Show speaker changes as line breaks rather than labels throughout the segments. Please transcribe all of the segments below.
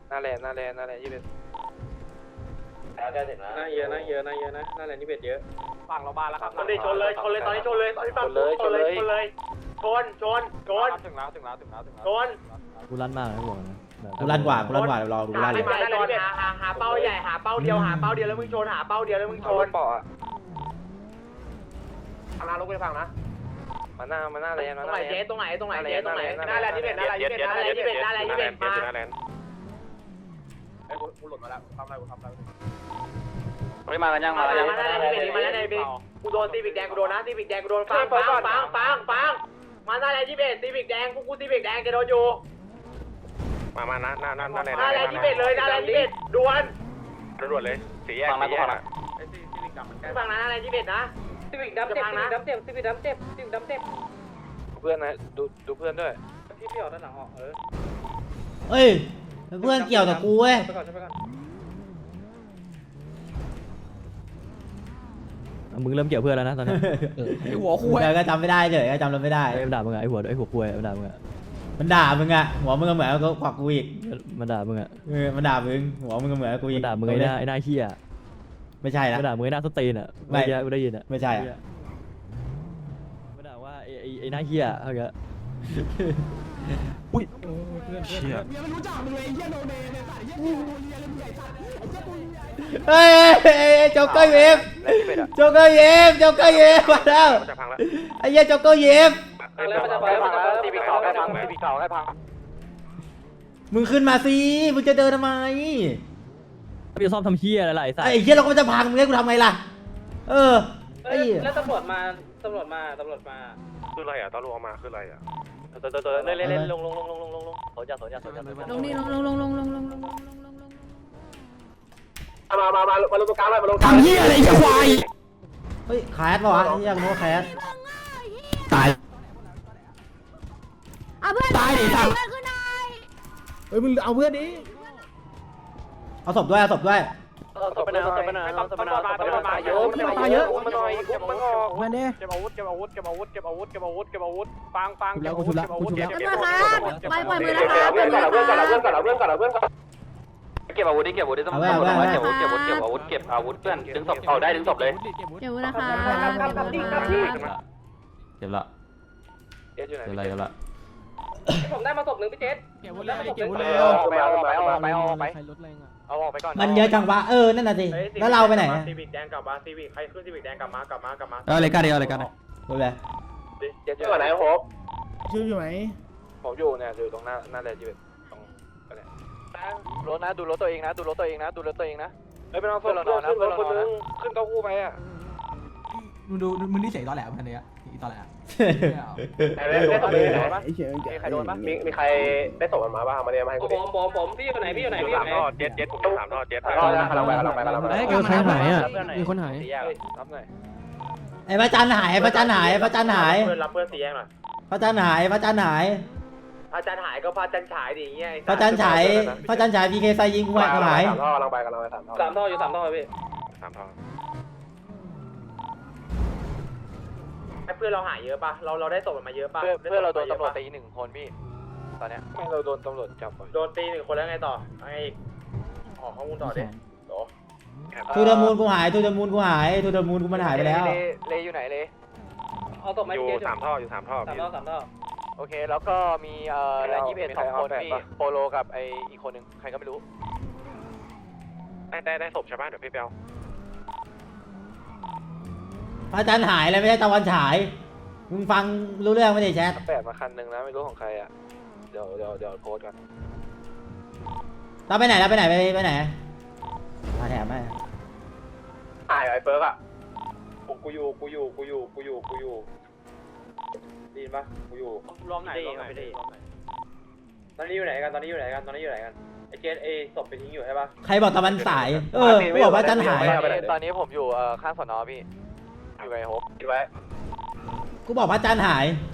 หน้าแลน21
น่าเยอะนะหน้าแลนนี่เบ็ดเยอะ
ฝั่งเราบ้านแล้วครับ
ชนเลยตอนนี้ชนเลยฝั่งชนเลยชน
ถึงแล้ว
กูลั่นมากนะบอกนะ
กูลั่นกว่าเดี๋ยวรอดูกูลั่นเลย
มาแน่นอนหาเป้าใหญ่หาเป้าเดียวแล้วมึงชนหาเป้าเดียวแล้วมึงชน
เปาะอะ
ทางลงไปฝั่งนะ
มาหน้าแลน
ตรงไหนเจ๊ตรงไหนหน้าแลนที่เบ็ดมาไอ้กูหลุดมาแล้วทำอะไร
มากันยัง
มาแล้วในเบ็ดกูโดนซีบิกแดงกูโดนนะซีบิกแดงกูโดนฟังมาหน้าแลนที่เบ็ดซีบิกแดงกูซีบิกแดงจะโดนอยู่
มาหน้าแลน
หน้าแลนที่เบ็ดเลยหน้าแลนที่เบ็ดด่วน
เลยสีแยก
ฝั่งนั้นฝั่งนั้น
ฝั่งนั้นหน้าแลนที่เบ็ดนะ
ซีวิกดำเจ็บซีวิกดำเจ็บ
เพื่อนนะดูเพื่อนด้วย
พี่ออกด้านหลังออก
เฮ้ยเพื่อนเกี่ยวกับกูเว้ย
ไปก่อน
มึงเริ่มเกี่ยวเพื่อนแล้วนะตอนนี้
หัวคุยก็จำไม่ได้เฉยก็จำเราไม่ได้
ไอ้ด่ามึงไอ้หัวคุยมันด่ามึงอะ
มันด่ามึงอะหัวมึงก็เหมือนกับกว่ากูอีก
มันด่ามึงอะ
มันด่ามึงหัวมึงก็เหมือนกับกูอี
มัน
ก
ด่ามึงไอ้หน้าเหี้ย
ไม่ใช่นะ
มันด่ามึงไอ้หน้าสตีนอะกูได้ยินอะ
ไม่ใช่อะ
มันด่าว่าไอ้หน้าเหี้ยเขาเงี้ย
เฮ้ยโจ๊กเกอร์เวฟโจ๊กเกอร์เวฟมาแล้วไอ้เหี้ยโจ๊กเกอร์เวฟ
แล้วมันจะไปฝั่งแล้วตีปีเก่าให้พัง
มึงขึ้นมาสิมึงจะเดินทำไม
พี่ซ่อมทำเหี้ยอะไรไอ้สัส
ไอ้เหี้ยเราก็จะพังมึงให้กูทำไงล่ะ
แล้วตำรวจมา
คืออะไรอ่ะตำรวจมาคืออะไรอ่ะ
เล่นลงโซนยา
ลงนี่ลง
มาลงตรงกลางเลยมาลงกลาง
ทำเหี้ยอะไรจะควายเฮ้ยแคสป่ะวะอยากรู้ว่าแคสตาย
เอาเพื่อนตายดิทำเพื่อนขึ้นหน่อย
เฮ้ยมึงเอาเพื่อนดิเอาศพด้วย
ตบไปนะเยอะมันหน่อยมันออก
มาเด้
เก็บอาวุธฟังเก็บอาวุธ
ตำรวจครับไปปล่อยมือแล้วครับ
เพื่อนก่อน
เก็บอาวุธดิต้องเก็บอาวุธเพื่อนดึงศพเอาได้ดึงศพเลย
เดี๋ยวนะคะ
เจ็บละ
เจ๊อยู่ไหน
เจ็บละ
ผมได้มาศพหนึ่งพี่เจษ
เอาออกไปก่อน
มันเยอะจังวะนั่นน่ะสิแล้วเราไปไหน
ซีบิกแดงกลับมาซีบิกใครขึ้นซีบิกแดงกลับมา
อะไรกันดูเลย
เจ๊อยู่
ตัวไหนโฮป
ชื่ออยู่ไหน
ผมอยู่เนี่ยอยู่ตรงหน้าแลน21ตรงรถนะดูรถตัวเองนะเฮ้ยเป็นเอาเพื่อนเราขึ้นรถคนนึงขึ้นเก้ากู้ไปอ่ะ
มึงนี่เฉยตอนแหลพันเนี้ยตอนแหล
ได้ศพเลยมีใครโดนปะมีใครได้ศพมันมาบ้างมาเรียมาให้กูดิ
ผมพี่อยู่ไหน
เจ็ดผมอยู่3 ท่อเจ็ด
กำลังไป
ใครหายอ่ะมีคนหาย
รับหน่อย
ไอ้พระจันทร์หาย
รับเพื่อนสีแยงหน่อย
พระจันทร์หาย
พระจันทร์หายก็พระจันทร์ฉายดิเงี้ย
พระจันทร์ฉายพีเคไซยิงกูหาย
กำลังไป3 ท่อ
3 ท่ออยู่3 ท่อพี่
3 ท่อ
เพื่อนเราหายเยอะปะเราได้ศพมันมาเยอะปะ
เพื่อนเราโดนตำรวจตี1 คนพี่ตอนเนี้ย
ไม่เราโดนตำรวจจับ
โดนตี1 คนแล้วไงต่อไอ้ออกข้อมูลต่อดิ
ทูเดอร์มูนกูหายทูเดอร์มูนกูมันหายไปแล้ว
เลอยู่ไหนเล
เอาศพมา
อยู่
พี่เจษ
3 ท่ออยู่3 ท่อ
3 ท่อ
โอเคแล้วก็มีแลน21 2 คนพี่โปโลกับไออีกคนนึงใครก็ไม่รู้
ได้ศพใช่ป่ะเดี๋ยวพี่เปียว
พระจันทร์หายเลยไม่ใช่ตะวันฉายมึงฟังรู้เรื่องไม่ได้แชท
8มาคันนึงนะไม่รู้ของใครอ่ะเดี๋ยวโพสกัน
เราไปไหนไปไหนมาแถมไหม
หายไอ้เฟิร์กอ่ะกูอยู่ดีปะกูอยู่
รวมไหน
ตอนนี้อยู่ไหนกันไอ้เจสศพไปทิ้งอยู่ใช่ปะ
ใครบอกตะวันสายกูบอกว่าจันทร์หาย
ตอนนี้ผมอยู่ข้างสนพี่อยู่ไอโฮป
คิดไว้
กูบอกว่าจันทร์หาย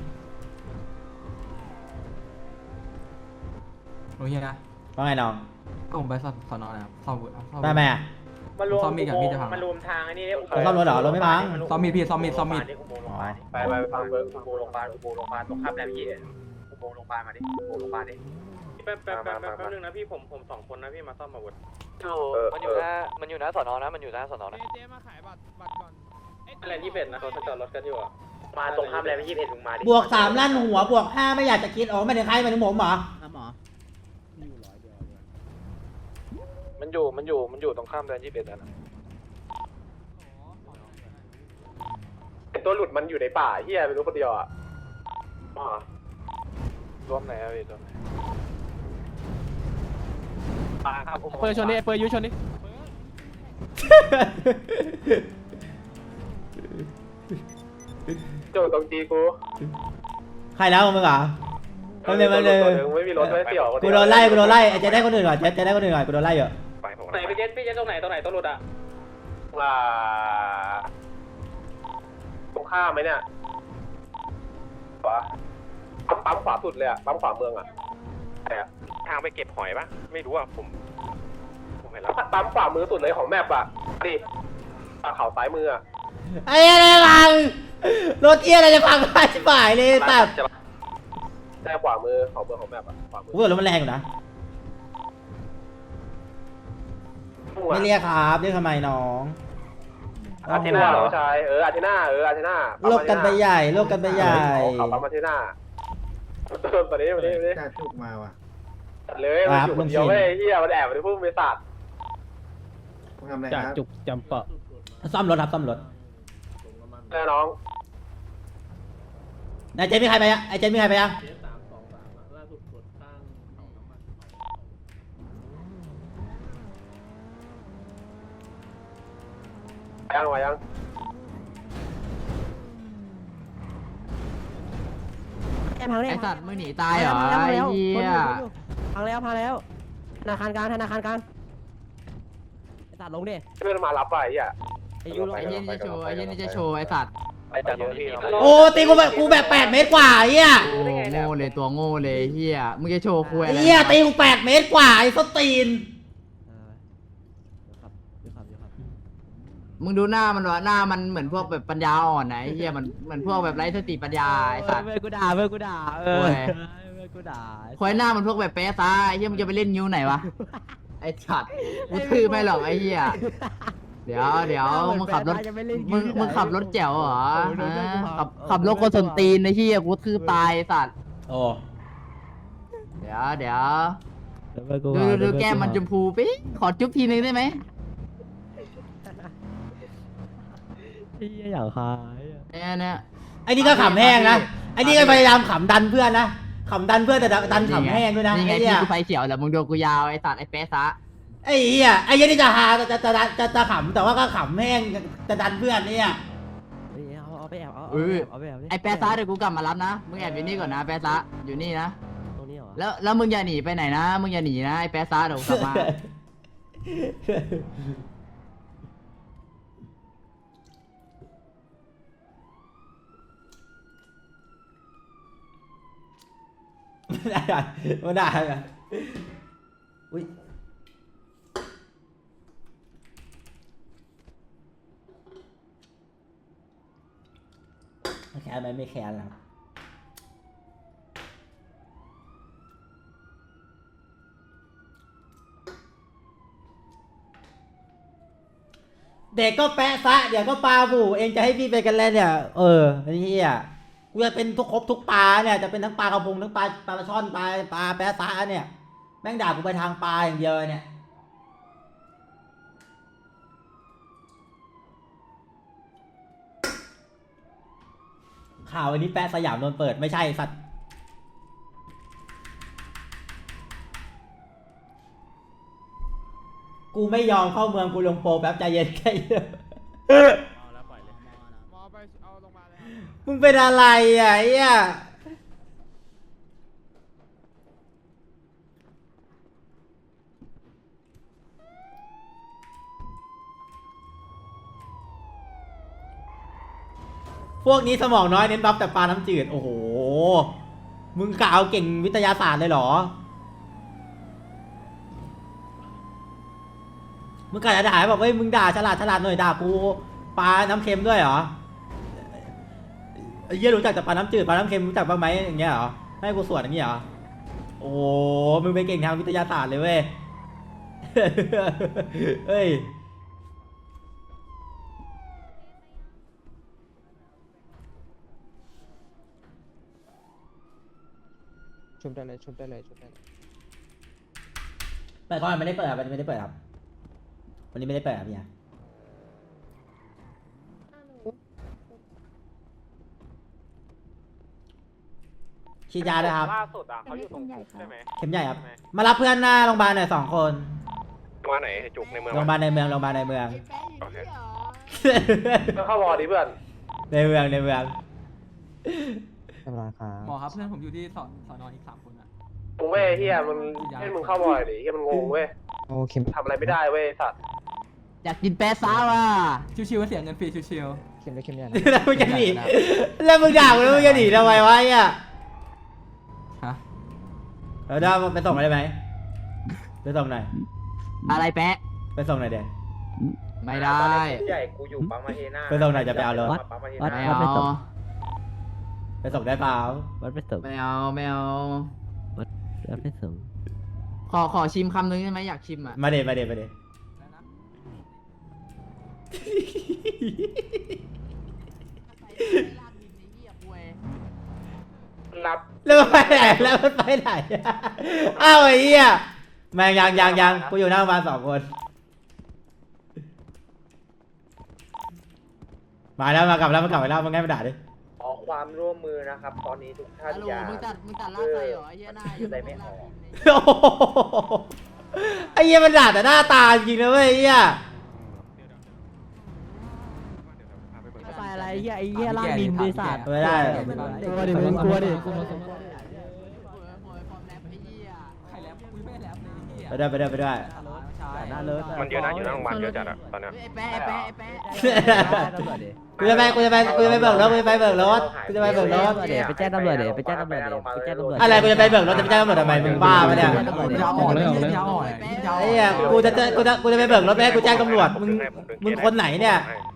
โอเคนะ
ว่าไงน้อง
ก็ผมไปสอนอนะครับซ่อม
ไปไหมอ่ะ
มันรวมทางไอ้นี่
ซ่อมรถเหรอรถไม่พัง
ซ่อมมีดพี่ซ่อมมีด
ไปฟังเบอร์อุโมงค์โรงพยาบาลตรงข้ามแรมยี่อุโมงค์โรงพยาบาลมาดิอุโมงค์โรงพยาบาลดิ
แป๊บนึงนะพี่ผม2 คนนะพี่มาซ่อมอาวุธ
มันอยู่หน้าสอนอนะมันอยู่หน้าสอนอนะ
อะไรที่เป็ดนะเขาจอดรถกันอยู่อ่ะ
มาตรงข้ามแลนด์21มึงมาดิ
บวก3ลั่นหัวบวก5ไม่อยากจะคิดอ๋อไม่ถึงใครไม่ถึงผมเหรอ
หมอ
มันอยู่ตรงข้ามแดน21นะ
ตัวหลุดมันอยู่ในป่าเฮียไม่รู้คนเดียวอ่ะ
รวมไหนอะพี่รวมไหน
เปิดชนดิเปิดยูชนดิ
โจตรงจีกู
ใครแล้วมึงเหรอเอาเลยมาเลย
ไม่มีรถไม่เสี่ยว
กูโดนไล่ไอ้เจ๊ได้คนอื่นก่อนเจ๊ได้คนอื่นก่อนกูโดนไล่อยู่
ไหนพี่เจ็ดตรงไหนตัวหลุดอ่ะ
ว่าตรงข้ามไหมเนี่ยขวาปั๊มขวาสุดเลยอ่ะปั๊มขวาเมืองอ่ะทางไปเก็บหอยปะไม่รู้อ่ะผมเห็นแล้วปั๊มขวามือสุดเลยของแมปอ่ะดิเขาซ้ายมืออ่ะ
ไอ้อะไรพังรถเอียอะไรจะพังไปชิบหายเลยแบบ
ได้ขวามือของเมืองของแมปอ่ะขวามือ
กูบอกรถมันแรงอยู่นะไม่เรียกครับเรียกทำไมน้อง
อาเทน่าน้องชายอาเทน่าอาเทน่า
โลกกันไปใหญ่โลกกันไปใหญ่
เขาปั๊มอาเทน่าตอนนี้
จุกมาว่ะ
เลยมันอยู่คนเดียวไม่เฮียมันแอบไปพุ่งไปสัตว์
ทำอะไร
จาก
ครับ
จุกจำเปาะ
ซ่อมรถครับซ่อมรถ
แน่น้อง
ไอ้เจนมีใครไปยังไอ้เจนมีใครไปยัง
ยัง
ไอ้สัตว์มึงหนีตายเหรอไอ้เหี้ยพังแล้วธนาคารกลางไอ้สัตว์ลงดิ
เพื่อนมารับไปเฮีย
ไอ้ยูลงไอ้เหี้ยนี่จะโชว์ไอ้เหี้ยนี่จะโชว์ไอ้สัตว์
ไปจากตรงนี้
โอ้ตีกูแบบ8 เมตรกว่าไอ้เหี้ย
โง่เลยตัวโง่เลยเหี้ยมึงจะโชว์คุยอะไร
ไอ้เหี้ยตีกู8 เมตรกว่าไอ้ส้นตีน
มึงดูหน้ามันวะหน้ามันเหมือนพวกแบบปัญญาอ่อนนะไอ้เหี้ยมันเหมือนพวกแบบไร้สติปัญญาไอ้สัตว์
เพื่อนกูด่าเพื่อนกูด่าเพื่อนกูด่า
คอยหน้ามันพวกแบบเป๊ะซะไอ้เหี้ยมึงจะไปเล่นนิ้วไหนวะไอ้สัตว์กูทื่อไม่หรอกไอ้เหี้ยเดี๋ยวมึงขับรถมึงขับรถแจ๋วเหรอขับรถคนสนตีนไอ้เหี้ยกูทื่อตายไอ้สัตว์
โอ้
เดี๋ยวดูแก้มมันชมพูปิ๊งขอจุ๊บทีนึงได้ไหม
พี่อยากคาย
เนี่ย
ไอ้นี่ก็ขำแห้งนะไอ้นี่ก็พยายามขำดันเพื่อนนะขำดันเพื่อนแต่ดันขำแห้งด้วยนะ
นี่ไง
ไอ้เหี้
ที่
ย
กูไฟเขียวแต่มึงโดนกูยาวไอ้สัตว์ไอ้เป๊ะซะ
ไอ้เหี้ยไอ้เหี้ยนี่จะหาจะขำแต่ว่าก็ขำแห้งจะดันเพื่อนเนี่ย
เอาไปแอบเอาไปแอบ
ไอ้เป๊ะซะเดี๋ยวกูกลับมารับนะมึงแอบอยู่นี่ก่อนนะเป๊ะซะอยู่นี่นะ
ตรงนี้เหรอ
แล้วมึงอย่าหนีไปไหนนะมึงอย่าหนีนะไอ้เป๊ะซะเดี๋ยวกูกลับมา
ไม่ได้กันอุ้ยแค้นไหมไม่แค้นแล้วเด็กก็แปะซะเดี๋ยวก็ปลาบูเองจะให้พี่ไปกันแล้วเนี่ยไอ้เหี้ยกูจะเป็นครบทุกปลาเนี่ยจะเป็นทั้งปลากระพงทั้งปลาช่อนปลาแปะซะเนี่ยแม่งด่ากูไปทางปลาอย่างเดียวเนี่ยข่าววันนี้แปะสยามโดนเปิดไม่ใช่สัตว์กูไม่ยอมเข้าเมืองกูลงโปรแป๊บใจเย็นแค่เยอะมึงเป็นอะไรอ่ะไอ้เหี้ยพวกนี้สมองน้อยเน้นบัฟแต่ปลาน้ำจืดโอ้โหมึงกะเอาเก่งวิทยาศาสตร์เลยเหรอมึงกะจะด่าแบบเฮ้ยมึงด่าฉลาดหน่อยด่ากูปลาน้ำเค็มด้วยเหรอไอ้เหี้ยรู้จักแต่ปลาน้ำจืดปลาน้ำเค็มรู้จักบ้างไหมอย่างเงี้ยเหรอให้กูสวดอย่างเงี้ยเหรอโอ้โหมึงไปเก่งทางวิทยาศาสตร์เลยเว้ย เฮ้ย
ชุบได้เลยชุบได้เลยชุบได้เลย
แต่ก่อนไม่ได้เปิดครับวันนี้ไม่ได้เปิดครับวันนี้ไม่ได้เปิดครับเนี่ยฉีดยาด้วยครับ
ล่าสุดอ่ะเขาอยู่ตรงจุกใช่ไหม
เข็มใหญ่ครับ มารับเพื่อนหน้าโรงพยาบาลหน่อย2 คน
มาไหนจุกในเมือง
โรงพยาบาลในเมืองโรงพยาบาลในเมือง
โอเคก็เข้าวอร์ดิเพื่อน
ในเมืองในเมือง
หมอครับเพื่อนผมอยู่ที่สอนออีก3 คนอ่ะ
มึงเว้ยเฮียมันให้มึงเข้าวอร์ดิเฮียมันงงเว้ย
โอเค
ทำอะไรไม่ได้เว้ยสัตว์
อยากกินแปะซะว่ะ
ชิวๆก็เสียเงินฟรีชิว
เข็มได้เข็มใหญ่
แล้วมึงจะหนีแล้วมึงด่ากูแล้วมึงจะหนีทำไมวะเนี่ย
ๆฮะ
เราได้ไปส่งได้ไหมไปส่งหน่อย
อะไรแปะ
ไปส่งหน่อยเดี๋ยว
ไม่ได้
ใหญ่กูอยู่ปั๊มมาเฮน่า
ไปส่งหน่อยจะไปเอารถ
ปั๊มมาเฮ
ไม่
น่า
เอา
ไปส่งได้เปล่า
วัดไปส่ง
ไม่เอาไม่เอา
วัดไปส่ง
ขอชิมคำนึงได้ไหมอยากชิมอ่ะ
มาเดมาเดมาเด
รับ
แล้วมันไปไหนแล้วมันไปไหนอ้าวไอ้เหี้ยแม่งยังกูอยู่หน้าโรงพยาบาล2 คน มาแล้วมากลับแล้วมันกลับไปแล้วมันง่ายมาด่าดิ
ขอความร่วมมือนะครับ ตอนนี้ทุกท่าน
ฮัลโหล
อย่า
มึงตัดลาดไส้เหรอไอ้เหี้ยหน้า
อยู่ในไม่ออก
โอ้โหไอ้เหี้ยมันด่าแต่หน้าตาจริงนะเว้ยไอ้เหี้ย
ไปอะไรเหี้ยไอ้เหี้ยล่างดินบริษัท
ไม่ได้
กลัวดิมึงกลัวดิ
ความแรปไอ้เหี้ย
ใครแลบคุยไม่แลบเลยเฮีย
ไปด้วยไปด้วยไปด้วย
หน้าเลิศ
มันเยอะนะอยู่หน้าโรงพยาบาลเยอะจัดอะตอนเนี้ย
ไอ้แปะไอ้แปะไอ้แปะ
กูจะไปเบิกรถกูจะไปเบิกรถกูจะไปเบิกรถ
ไปแจ้งตำรวจเดี๋ยวไปแจ้งตำรวจเดี๋ยวไปแจ้งตำรวจ
อะไรกูจะไปเบิกรถจะไปแจ้งตำรวจทำไมมึงบ้าปะเนี่ย
ยาวอ่อนเลยยาวอ่อน
ไอ้เหี้ยกูจะไปเบิกรถไม่ให้กูแจ้งตำรวจมึงคนไหนเนี่ย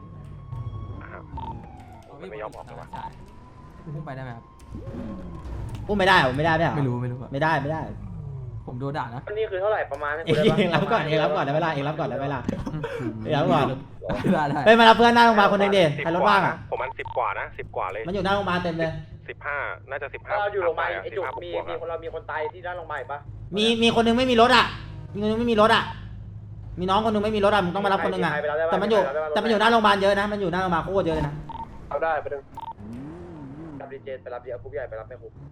ไม่ยอมออกว่ะ
ใช่พุ่งไปได้ไหมครับ
อุ้มไม่ได้ผมไม่ได้ไม่
ไม่รู้อะ
ไม่ได้ไม่ได้
ผมโดนด่านะ
วันนี้คือเท่าไหร่ประมาณ
เองรับก่อนได้เวลาเองรับก่อนได้เวลาเองรับก่อน
ได้
ไปมารับเพื่อนหน้าโรงพยาบาลคนหนึงดิใครรถว่างอ่ะ
ผมมัน10 กว่านะ10 กว่าเลย
มันอยู่หน้าโรงพยาบาลเต็มเลย
15น่าจะ15
เราอยู่โรงพยาบาลไอ้จุกมี
15
คนเรามีคนตายที่ด้านโรงพยาบาลปะ
มีคนหนึงไม่มีรถอ่ะมีคนหนึงไม่มีรถอ่ะมีน้องคนหนึงไม่มีรถอ่ะมึงต้องมารับคนหนึงอ่ะแต่มันอยู่หน้าโรงพยาบาลเยอะนะมันอยู่หน้าโรงพยาบาลโคตรเยอะเลยนะ
เอาได้ไปดึง
รับดีเจไปรับเดียวคุกใหญ่ไปรับแม่คุก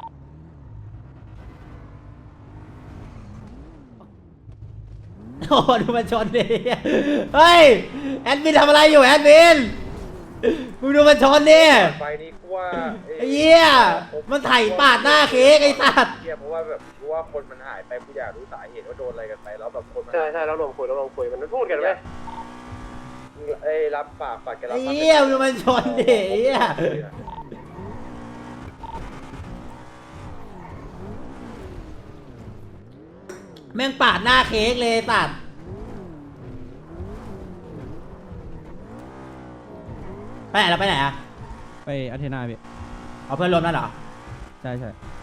โอ้ดูมันชนดิเฮ้ยแอดมินทำอะไรอยู่แอดมินมึงดูมันชนดิ
ไฟนี้กูว่า
ไอ้เหี้ยมันไถปาดหน้าเค้กไอ้สัตว์
เหี้ยเพราะว่าแบบกูว่าคนมันหายไปกูอยากรู้สาเหตุว่าโดนอะไรกันไปแล้วแบบคนมัน
ใช่เราลงคุยมันพูดกันไหม
เอ้ยรับฝากแกรับ
ไอ้เหี้ยมึงดูมันชนดิไอ้เหี้ยแม่งปาดหน้าเค้กเลยสัตว์ไปไหนเราไปไหนอะ
ไปอาเทนาพี่
เอาเพื่อนรวมนั่นเหรอ
ใช่ใช่